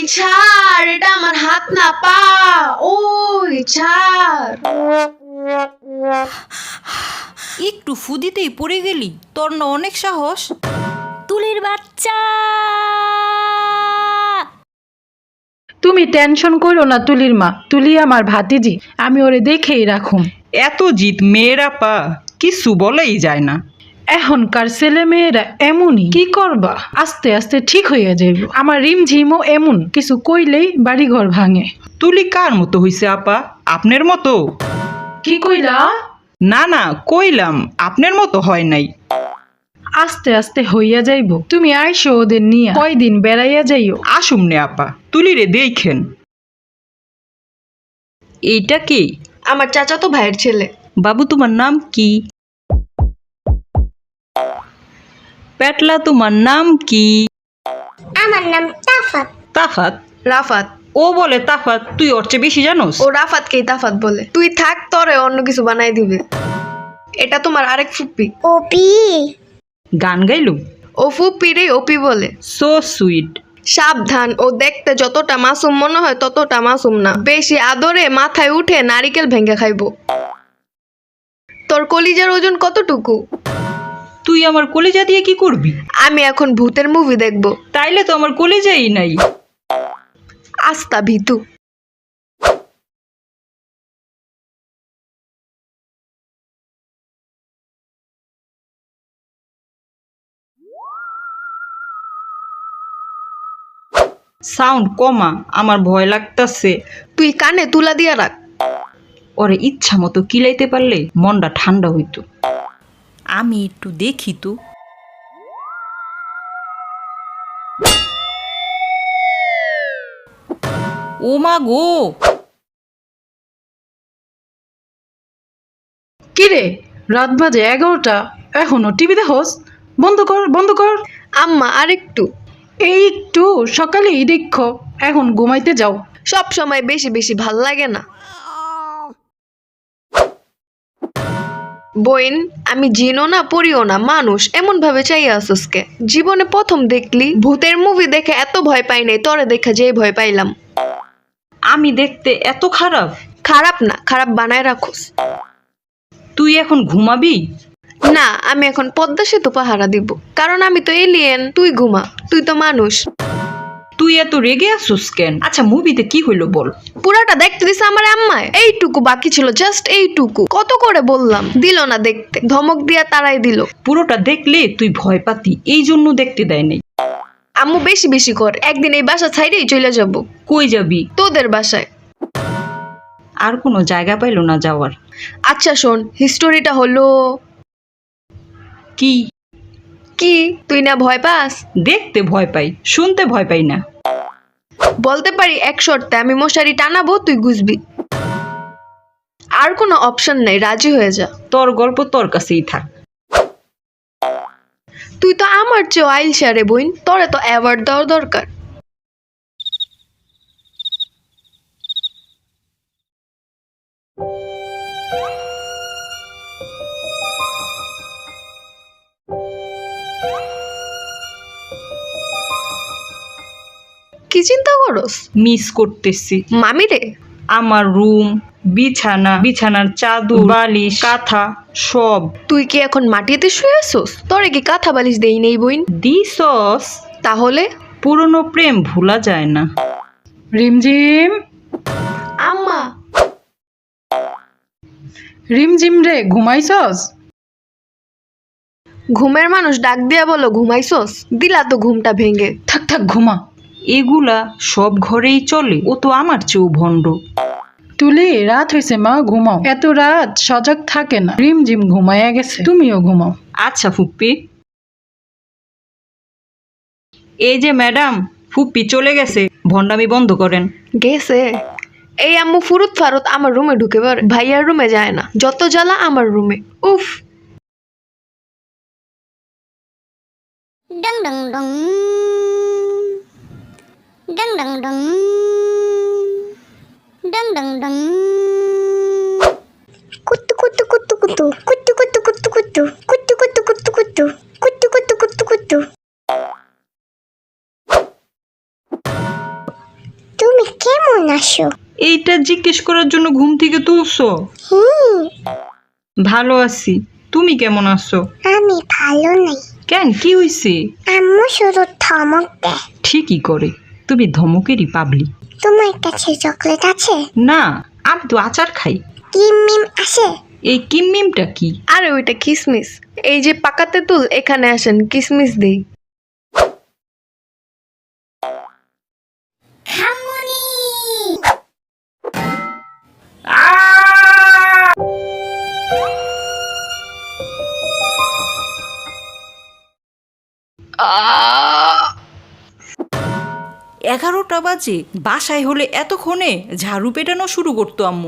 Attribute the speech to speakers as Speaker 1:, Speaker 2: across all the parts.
Speaker 1: ছাড়, এটা আমার হাত না পা। ওই ছাড়।
Speaker 2: একটু ফুদিতেই পড়ে গেলি, তোর না অনেক সাহস।
Speaker 3: তুলির বাচ্চা,
Speaker 4: তুমি টেনশন করো না তুলির মা, তুলি আমার ভাতিজি, আমি ওরে দেখেই রাখুম।
Speaker 5: এত জিত মেয়েরা পা কিছু বলেই যায় না।
Speaker 4: এখনকার ছেলে মেয়েরা এমনই, কি করবা, আস্তে আস্তে ঠিক হইয়া যাইব। আমার রিমঝিমও এমন, কিছু কইলেই বাড়িঘর ভাঙে।
Speaker 5: তুলি কার মতো হইছে আপা? আপনার মতো?
Speaker 4: কি কইলা?
Speaker 5: না না, কইলাম আপনার মতো হয় নাই।
Speaker 4: আস্তে আস্তে হইয়া যাইব। তুমি আইসো ওদের নিয়া, কয়দিন বেড়াইয়া যাইও।
Speaker 5: আসুমনে আপা, তুলিরে দেখেন। এইটা কি?
Speaker 1: আমার চাচাতো ভাইয়ের ছেলে।
Speaker 5: বাবু তোমার নাম কি? পেটলা তোমার নাম কি?
Speaker 3: আমার নাম তাফাত।
Speaker 5: তাফাত?
Speaker 1: রাফাত।
Speaker 5: ও বলে তাফাত, তুই ওর চেয়ে বেশি জানোস?
Speaker 1: ও রাফাতকেই তাফাত বলে। তুই থাক, তরে অন্য কিছু বানাই দিবে। এটা তোমার আরেক ফুপ্পি।
Speaker 3: ওপি,
Speaker 5: গান গাইলু?
Speaker 1: ও ফুপ্পি রে ওপি বলে।
Speaker 5: So sweet.
Speaker 1: সাবধান, ও দেখতে যতটা মাসুম মনে হয় ততটা মাসুম না। বেশি আদরে মাথায় উঠে নারিকেল ভেঙে খাইবো। তোর কলিজার ওজন কতটুকু?
Speaker 5: তুই আমার কলেজা দিয়ে কি করবি?
Speaker 1: আমি এখন ভূতের মুভি দেখবো।
Speaker 5: তাইলে তো আমার কলেজাই নাই।
Speaker 1: আস্তা ভীতু।
Speaker 5: সাউন্ড কমা, আমার ভয় লাগতাছে।
Speaker 1: তুই কানে তুলা দিয়া রাখ।
Speaker 5: ওরে ইচ্ছা মতো কিলাইতে পারলে মনটা ঠান্ডা হইতো।
Speaker 2: আমি একটু দেখি তো। ও মা গো,
Speaker 4: কিরে, রাত বাজে 11টা, এখনো টিভি দেখোস? বন্ধ কর, বন্ধ কর।
Speaker 1: আম্মা আরেকটু।
Speaker 4: এই একটু সকালেই দেখো, এখন ঘুমাইতে যাও।
Speaker 1: সব সময় বেশি বেশি ভাল লাগে না। বইন, আমি জিনও না পড়িও না, মানুষ। এমন ভাবে চাইয়া আসুসকে। জীবনে প্রথম দেখলি ভূতের মুভি দেখে এত ভয় পাই নাই, তরে দেখা যেই ভয় পাইলাম।
Speaker 5: আমি দেখতে এত খারাপ?
Speaker 1: খারাপ না, খারাপ বানায় রাখোস।
Speaker 5: তুই এখন ঘুমাবি?
Speaker 1: না, আমি এখন পদ্মা সেতু পাহারা দিব, কারণ আমি তো এলিয়েন। তুই ঘুমা, তুই তো মানুষ।
Speaker 5: তুই এত রেগে আসুস কেন? আচ্ছা, মুভিতে কি হইলো বল।
Speaker 1: পুরাটা দেখতে দিছে আমার আম্মায়। এইটুকু বাকি ছিল, জাস্ট এইটুকু। কত করে বললাম, দিল না দেখতে। ধমক দিয়া তারাই দিল।
Speaker 5: পুরোটা দেখলে তুই ভয় পাতি, এই জন্য দেখতে দেয় নাই।
Speaker 1: আম্মু বেশি বেশি করে। একদিন এই বাসা ছাইরেই চলে যাব।
Speaker 5: কই যাবি?
Speaker 1: তোদের বাসায়।
Speaker 5: আর কোনো জায়গা পাইলো না যাওয়ার।
Speaker 1: আচ্ছা শোন, হিস্টোরিটা হলো
Speaker 5: কি?
Speaker 1: কি? তুই না ভয় পাস?
Speaker 5: দেখতে ভয় পাই, শুনতে ভয় পাই না।
Speaker 1: বলতে পারি এক শর্তে, আমি মশারি টানাবো, তুই গুজবি। আর কোনো অপশন নাই, রাজি হয়ে যা।
Speaker 5: তোর গল্প তোর কাছেই থাক।
Speaker 1: তুই তো আমার চেয়ে আইলসা রে বইন, তোরে তো অ্যাওয়ার্ড দেওয়ার দরকার। কি চিন্তা করস?
Speaker 5: মিস করতেছি
Speaker 1: মামি রে।
Speaker 5: আমার রুম, বিছানা, বিছানার চাদর, বালিশ, কাঁথা সব।
Speaker 1: তুই কি এখন মাটিতে শুয়ে আসোস? তোরে কি কাঁথা বালিশ দেই নেই বইন?
Speaker 5: দিছস?
Speaker 1: তাহলে
Speaker 5: পুরনো প্রেম ভোলা যায় না।
Speaker 4: রিমঝিম,
Speaker 1: আম্মা।
Speaker 4: রিমঝিম রে, ঘুমাইছস?
Speaker 1: ঘুমের মানুষ ডাক দিয়া বলো ঘুমাইছস? দিলা তো ঘুমটা ভেঙে।
Speaker 4: থাক থাক, ঘুমা।
Speaker 5: এগুলা সব ঘরেই চলে, ও তো আমার চেয়েও ভণ্ড।
Speaker 4: তুলি, রাত হয়েছে মা, ঘুমাও। এত রাত সজাগ থাকে না। রিমঝিম ঘুমাইয়া গেছে, তুমিও ঘুমাও।
Speaker 5: আচ্ছা ফুপ্পি। এই যে ম্যাডাম, ফুপ্পি চলে গেছে, ভণ্ডামি বন্ধ করেন।
Speaker 1: গেছে? এই আম্মু ফুরুত ফারুত আমার রুমে ঢুকে পারে, ভাইয়ার রুমে যায় না। যত জ্বালা আমার রুমে। উফ।
Speaker 3: ডং ডং ডং, ডং ডং ডং, ডং ডং ডং। কুতু কুতু কুতু কুতু, কুতু কুতু কুতু কুতু, কুতু কুতু কুতু কুতু, কুতু কুতু কুতু কুতু। কেমন আছো?
Speaker 5: এইটা জিজ্ঞেস করার জন্য ঘুম থেকে তুলছো?
Speaker 3: হুম,
Speaker 5: ভালো আছি, তুমি কেমন আছো?
Speaker 3: আমি ভালো নাই।
Speaker 5: কেন, কি হইছে?
Speaker 3: আম্মু শুধু ধমক দেয়।
Speaker 5: ঠিকই করে, তুমি ধমকেরই পাবলি।
Speaker 3: তোমার কাছে চকলেট আছে?
Speaker 5: না, আমি তো আচার খাই।
Speaker 3: কিম মিম আছে?
Speaker 5: এই কিমমিমটা কি?
Speaker 1: আরে ওইটা কিসমিস। এই যে পাকা তেঁতুল, এখানে আসেন কিসমিস দেই। আহ!
Speaker 2: 11টা বাজে, বাসায় হলে এতক্ষণে ঝাড়ু পেটানো শুরু করতো আম্মু।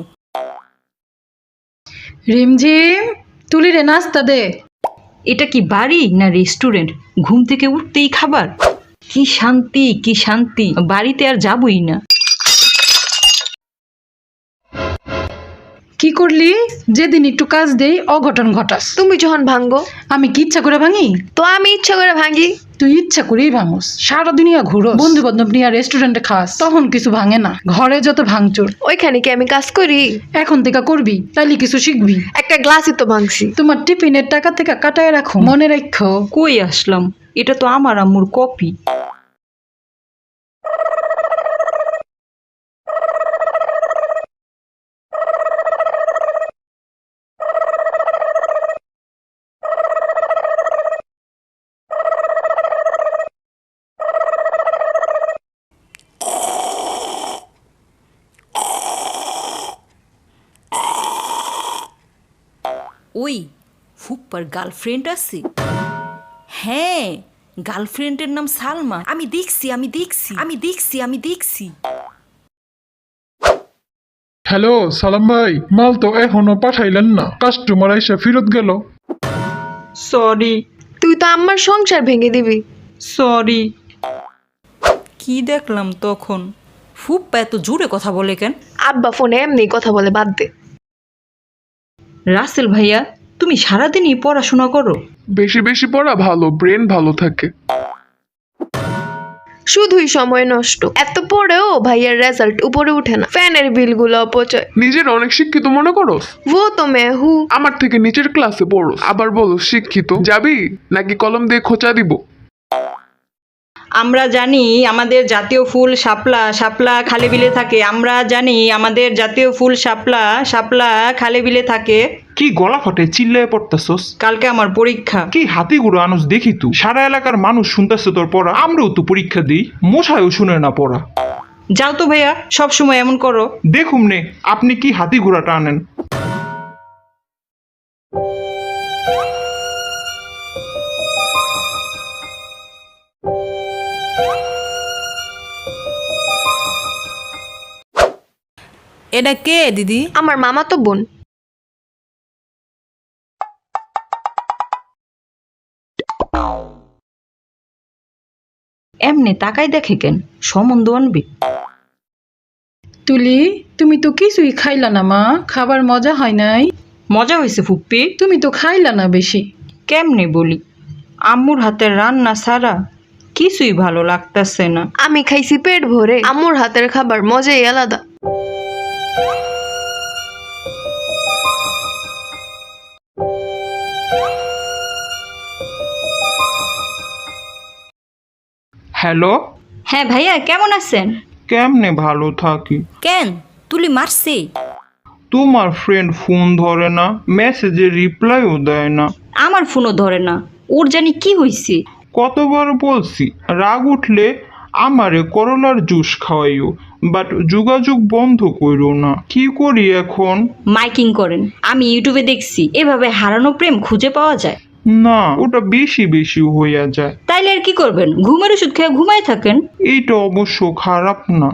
Speaker 4: রিমঝিম, তুলি রে নাস্তা দে।
Speaker 5: এটা কি বাড়ি না রেস্টুরেন্ট? ঘুম থেকে উঠতেই খাবার? কি শান্তি, কি শান্তি, বাড়িতে আর যাবই না।
Speaker 4: কি করলি? যেদিন একটু কাজ দেই অঘটন ঘটাস।
Speaker 1: তুমি যখন ভাঙ্গো,
Speaker 4: আমি কি ইচ্ছা করে ভাঙি?
Speaker 1: তো আমি ইচ্ছা করে ভাঙ্গি।
Speaker 4: তুই ইচ্ছা করেই ভাঙস। সারা দুনিয়া ঘুরো, বন্ধু বান্ধব নিয়ে রেস্টুরেন্টে খাস, তখন কিছু ভাঙে না। ঘরে যত ভাঙচুর,
Speaker 1: ওইখানে কি আমি কাজ করি?
Speaker 4: এখন থেকে করবি, তাইলে কিছু শিখবি।
Speaker 1: একটা গ্লাসই তো ভাঙছি।
Speaker 4: তোমার টিফিনের টাকা থেকে কাটায় রাখো, মনে রাখো।
Speaker 5: কই আসলাম, এটা তো আমার আম্মুর কপি।
Speaker 2: ওই ফুপ্পার গার্লফ্রেন্ড আছে? হ্যাঁ, গার্লফ্রেন্ডের নাম সালমা। আমি দেখছি।
Speaker 6: হ্যালো সালাম ভাই, মাল তো এখনো পাঠাইলেন না, কাস্টমার এসে ফেরত গেল।
Speaker 5: সরি,
Speaker 1: তুই তো আমার সংসার ভেঙে দিবি।
Speaker 5: সরি।
Speaker 2: কি দেখলাম তখন? ফুপ্পা এত জোরে কথা বলে কেন?
Speaker 1: আব্বা ফোনে এমনি কথা বলে, বাদ দে।
Speaker 5: রাসেল ভাইয়া, তুমি সারাদিনই পড়াশোনা করো?
Speaker 6: বেশি বেশি পড়া ভালো, ব্রেন ভালো থাকে।
Speaker 1: শুধুই সময় নষ্ট। এত পড়েও ভাইয়ের রেজাল্ট উপরে উঠে না। ফ্যানের বিলগুলো অপচয়।
Speaker 6: নিজের অনেক শিক্ষিত মনে করো?
Speaker 1: ও তো মে হু।
Speaker 6: আমার থেকে নিচের ক্লাসে পড়ো, আবার বলো শিক্ষিত। যাবি নাকি কলম দিয়ে খোঁচা দিব?
Speaker 5: আমরা জানি আমাদের জাতীয় ফুল শাপলা, শাপলা খালে বিলে থাকে। আমরা জানি আমাদের জাতীয় ফুল শাপলা, শাপলা খালে বিলে থাকে।
Speaker 7: কি গলা ফাটে চিল্লায় পড়তাছস?
Speaker 5: কালকে আমার পরীক্ষা।
Speaker 7: কি হাতি গুঁড়ো আনুস দেখি তু। সারা এলাকার মানুষ শুনতেছে তোর পড়া, আমরাও তো পরীক্ষা দিই, মশাইও শুনে না পড়া।
Speaker 5: যাও তো ভাইয়া, সব সময় এমন করো।
Speaker 7: দেখুম নে আপনি কি হাতি ঘোড়াটা আনেন।
Speaker 2: এটা কে দিদি?
Speaker 1: আমার মামা তো বোন।
Speaker 5: এমনি তাকাই দেখে কেন, সম্বন্ধ আনবে।
Speaker 4: তুলি, তুমি তো কিছুই খাইলা না মা, খাবার মজা হয় নাই।
Speaker 5: মজা হয়েছে ফুপ্পি?
Speaker 4: তুমি তো খাইলা না বেশি।
Speaker 5: কেমনে বলি, আম্মুর হাতের রান্না ছাড়া কিছুই ভালো লাগতেছে না।
Speaker 1: আমি খাইছি পেট ভরে। আম্মুর হাতের খাবার মজাই আলাদা।
Speaker 7: হ্যালো,
Speaker 5: হ্যাঁ ভাইয়া, কেমন আছেন?
Speaker 7: কেমনে ভালো থাকি?
Speaker 2: কেন, তুলি মারছে?
Speaker 7: তোমার ফ্রেন্ড ফোন ধরে না, মেসেজে রিপ্লাইও দেয় না।
Speaker 5: আমার ফোনও ধরে না, ওর জানি কি হয়েছে।
Speaker 7: কতবার বলছি রাগ উঠলে আমারে করলার জুস খাওয়াইও, বাট যোগাযোগ বন্ধ কইরো না। কি করি এখন?
Speaker 5: মাইকিং করেন। আমি ইউটিউবে দেখছি এভাবে হারানো প্রেম খুঁজে পাওয়া যায়।
Speaker 7: না, ওটা বেশি বেশি হইয়া যায়।
Speaker 5: তাইলে আর কি করবেন, ঘুমের ওষুধ খেয়ে ঘুমায় থাকেন।
Speaker 7: এইটা অবশ্য খারাপ না।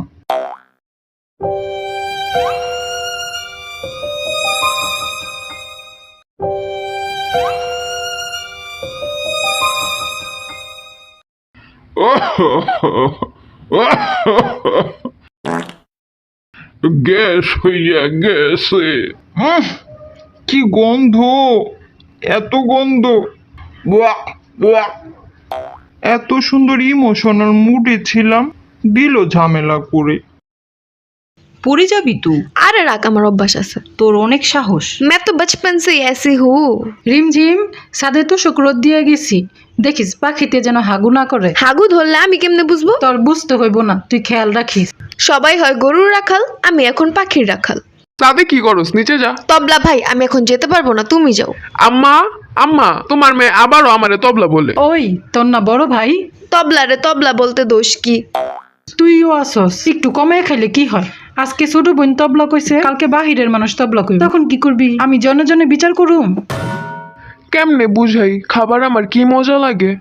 Speaker 7: গ্যাস হইয়া গেছে। কি গন্ধ, এত গন্ধ! ওয়াক, ওয়াক। এত সুন্দর ইমোশনাল মুডে ছিলাম, দিল ঝামেলা করে।
Speaker 5: পড়ে যাবি তুই।
Speaker 1: আরে রাখ, আমার অভ্যাস আছে।
Speaker 5: তোর অনেক সাহস।
Speaker 1: मैं तो बचपन से ही ऐसी हूँ।
Speaker 4: রিমঝিম সাদে তো শুক্রত দিয়ে গেছি, দেখিস পাখিতে যেন হাগু না করে।
Speaker 1: হাগু ধরলে আমি কেমনে বুঝবো?
Speaker 4: তোর বুঝতে হইব না, তুই খেয়াল রাখিস।
Speaker 1: সবাই হয় গরুর রাখাল, আমি এখন পাখির রাখাল।
Speaker 8: সাদে কি করস? নিচে যা।
Speaker 1: তবলা ভাই, আমি এখন যেতে পারবো না, তুমি যাও।
Speaker 8: আম্মা, আম্মা, তোমার মেয়ে আবারও আমারে তবলা বলে।
Speaker 4: ওই তোর না বড় ভাই?
Speaker 1: তবলা রে তবলা বলতে দোষ কি?
Speaker 4: তুইও আসস, একটু কমে খাইলে কি হয়? আজকে ছোট বোন তবলা কইছে, কালকে বাহিরের মানুষ তবলা কইবে, তখন কি করবি? আমি জনে জনে বিচার করুম?
Speaker 8: কেমনে বুঝাই খাবার আমার কি মজা লাগে?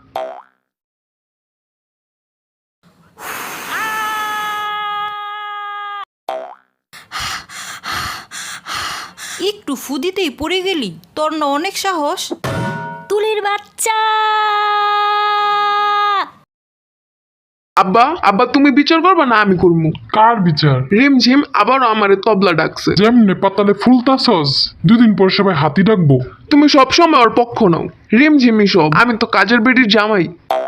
Speaker 2: একটু ফুদিতেই পড়ে গেলি, তোর না অনেক সাহস।
Speaker 3: তুলির বাচ্চা।
Speaker 8: আব্বা, আব্বা, তুমি বিচার করবা না আমি করবো?
Speaker 6: কার বিচার?
Speaker 8: রিমঝিম আবারও আমারে তবলা ডাকছে।
Speaker 6: যেমনে পাতালে ফুলতাছস, দুদিন পর সবাই হাতি ডাকবো।
Speaker 8: তুমি সব সময় ওর পক্ষ নাও। রিমঝিমই সব, আমি তো কাজের বেটির জামাই।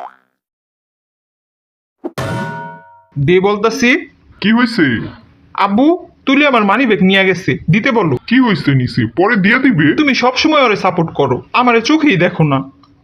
Speaker 7: দে বলতাছি।
Speaker 6: কি হয়েছে?
Speaker 7: আব্বু, তুলি আমার মানি ব্যাগ নিয়ে গেছে, দিতে বলো।
Speaker 6: কি হয়েছে নিছি? পরে দিয়ে দিবে।
Speaker 7: তুমি সব সময় ওরে সাপোর্ট করো, আমারে চোখেই দেখো না।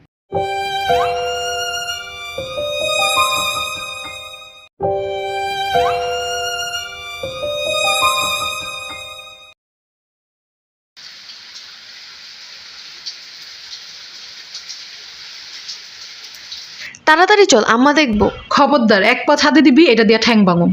Speaker 1: তাড়াতাড়ি চল, আম্মা দেখবো।
Speaker 4: খবরদার, এক পা ছাদে দিবি, এটা দিয়া ঠ্যাং ভাঙুম।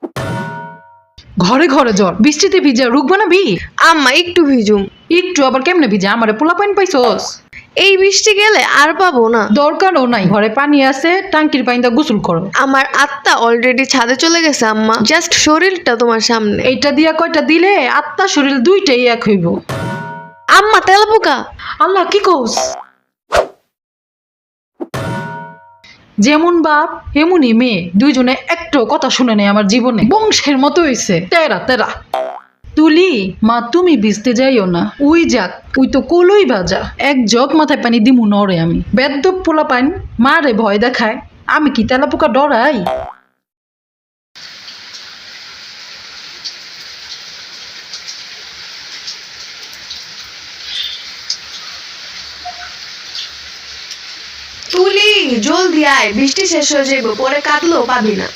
Speaker 4: ঘরে ঘরে জ্বর, বৃষ্টিতে ভিজা রোগ বানাবি?
Speaker 1: আম্মা একটু ভিজুম।
Speaker 4: একটু আবার কেমনে ভিজা? আমারে পোলা পাইন পাইছস?
Speaker 1: এই বৃষ্টি গেলে আর পাবো না।
Speaker 4: দরকারও নাই, ঘরে পানি আছে, টাঙ্কির পানিতে গোসল করো।
Speaker 1: আমার আত্মা অলরেডি ছাদে চলে গেছে আম্মা, জাস্ট শরীরটা তোমার সামনে।
Speaker 4: এইটা দিয়া কয়টা দিলে আত্মা শরীর দুইটাই এক হইব।
Speaker 1: আম্মা তেলাপোকা।
Speaker 4: আল্লাহ, কি কস? যেমন বাপ এমনই মেয়ে, দুইজনে একটু কথা শুনে নেই আমার জীবনে, বংশের মতো হইছে। তেরা তেরা। তুলি মা, তুমি ভিজতে যাইও না, উই যাক, উই তো কলই বাজা। এক জগ মাথায় পানি দিমু নরে আমি। বেদ্যপ পোলা পাইন মারে ভয় দেখায়, আমি কি তেলাপোকা ডরাই?
Speaker 1: তুলি জলদি আয়, বৃষ্টি শেষ হয়ে যাইব, পরে কাটলেও পাবি না।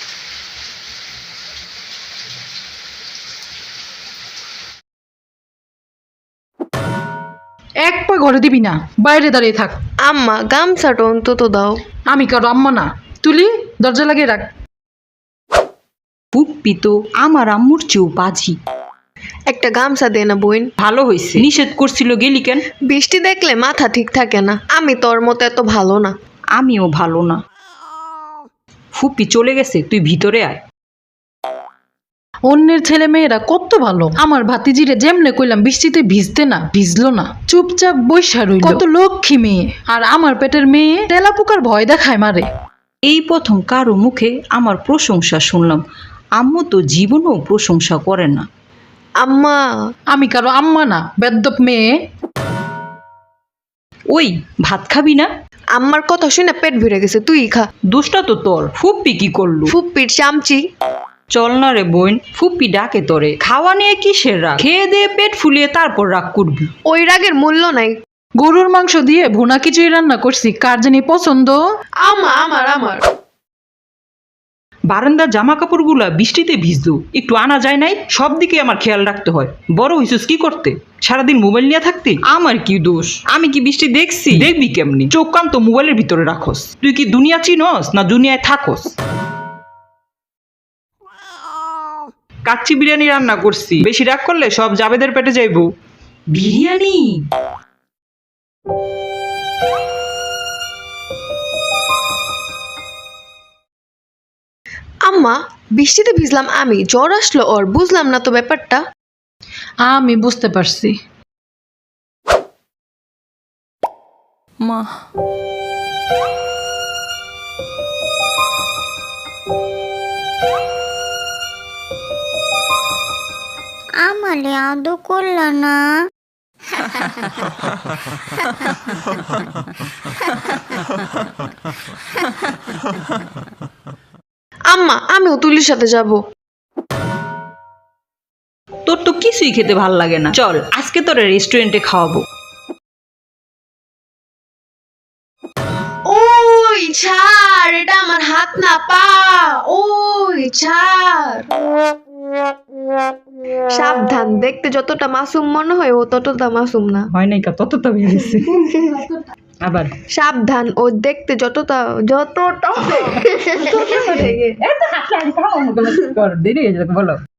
Speaker 4: এক পা ঘরে দিবি না, বাইরে দাঁড়িয়ে থাক।
Speaker 1: আম্মা গামছাটা অন্তত দাও।
Speaker 4: আমি কারো আম্মা না। তুলি দরজা লাগিয়ে রাখ।
Speaker 5: পুপ্পি তো আমার আম্মুর চেয়েও বাজি।
Speaker 1: একটা গামছা দে না বোন।
Speaker 5: ভালো হয়েছে, নিষেধ করছিল গেলি কেন?
Speaker 1: বৃষ্টি দেখলে মাথা ঠিক থাকে না। আমি তোর মতো এত ভালো না।
Speaker 5: আমিও ভালো না। ফুপ্পি চলে গেছে, তুই ভিতরে আয়।
Speaker 4: অন্যের ছেলে মেয়েরা কত ভালো, আমার ভাতিজিরে যেমনে কইলাম বৃষ্টিতে ভিজতে না, ভিজলো না, চুপচাপ বৈশা রইল। কত লক্ষ্মী মেয়ে, আর আমার পেটের মেয়ে তেলাপোকার ভয় দেখায় মারে।
Speaker 5: এই প্রথম কারো মুখে আমার প্রশংসা শুনলাম। আম্মু তো জীবনেও প্রশংসা করে না।
Speaker 1: আম্মা
Speaker 4: আমি কারো আম্মা না, বেদ্যপ মেয়ে।
Speaker 5: ওই ভাত খাবি না?
Speaker 1: আম্মার কথা শুনে পেট ভরে গেছে, তুই খা।
Speaker 5: দোষটা তো তোর। ফুপ্পি কি করলো?
Speaker 1: ফুপ্পির চামচি।
Speaker 5: চল না রে বোন, ফুপ্পি ডাকে তোরে। খাওয়া নিয়ে কিসের রাগ? খেয়ে দিয়ে পেট ফুলিয়ে তারপর রাগ করবি।
Speaker 1: ওই রাগের মূল্য নাই।
Speaker 4: গরুর মাংস দিয়ে ভুনা খিচুড়ি রান্না করছি, কার জানি পছন্দ।
Speaker 1: আম্মা আমার আমার
Speaker 5: বারান্দার জামা কাপড়গুলা বৃষ্টিতে ভিজলো, একটু আনা যায় নাই? সব দিকে আমার খেয়াল রাখতে হয়। বড় হইছিস কি করতে? সারাদিন মোবাইল নিয়ে থাকতে? আমার কি দোষ? আমি কি বৃষ্টি দেখছি? দেখবি কেমনি? চোখ কান তো মোবাইলের ভিতরে রাখস। তুই কি দুনিয়া চিনস না দুনিয়ায় থাকস? কাচ্চি বিরিয়ানি রান্না করছি, বেশি রাগ করলে সব জাবেদের পেটে যাইবো। বিরিয়ানি?
Speaker 1: আম্মা বৃষ্টিতে ভিজলাম আমি, জ্বর আসলো ওর, বুঝলাম না তো ব্যাপারটা।
Speaker 4: আমি বুঝতে পারছি।
Speaker 2: মা,
Speaker 3: আমালে আদৌ করল না।
Speaker 1: আম্মা আমিও তুলির সাথে যাব।
Speaker 2: কিছুই খেতে ভাল লাগে না। চল আজকে তোরা রেস্টুরেন্টে খাওয়াবো।
Speaker 1: ওই ছাড়, এটা আমার হাত না পা। ওই ছাড়। সাবধান, দেখতে যতটা মাসুম মনে হয় ও ততটা মাসুম না।
Speaker 2: হয় নাই কা তত তো বেরিয়েছে। আবার
Speaker 1: সাবধান, ও দেখতে যতটা
Speaker 2: দেরি হয়ে যাবে বলো।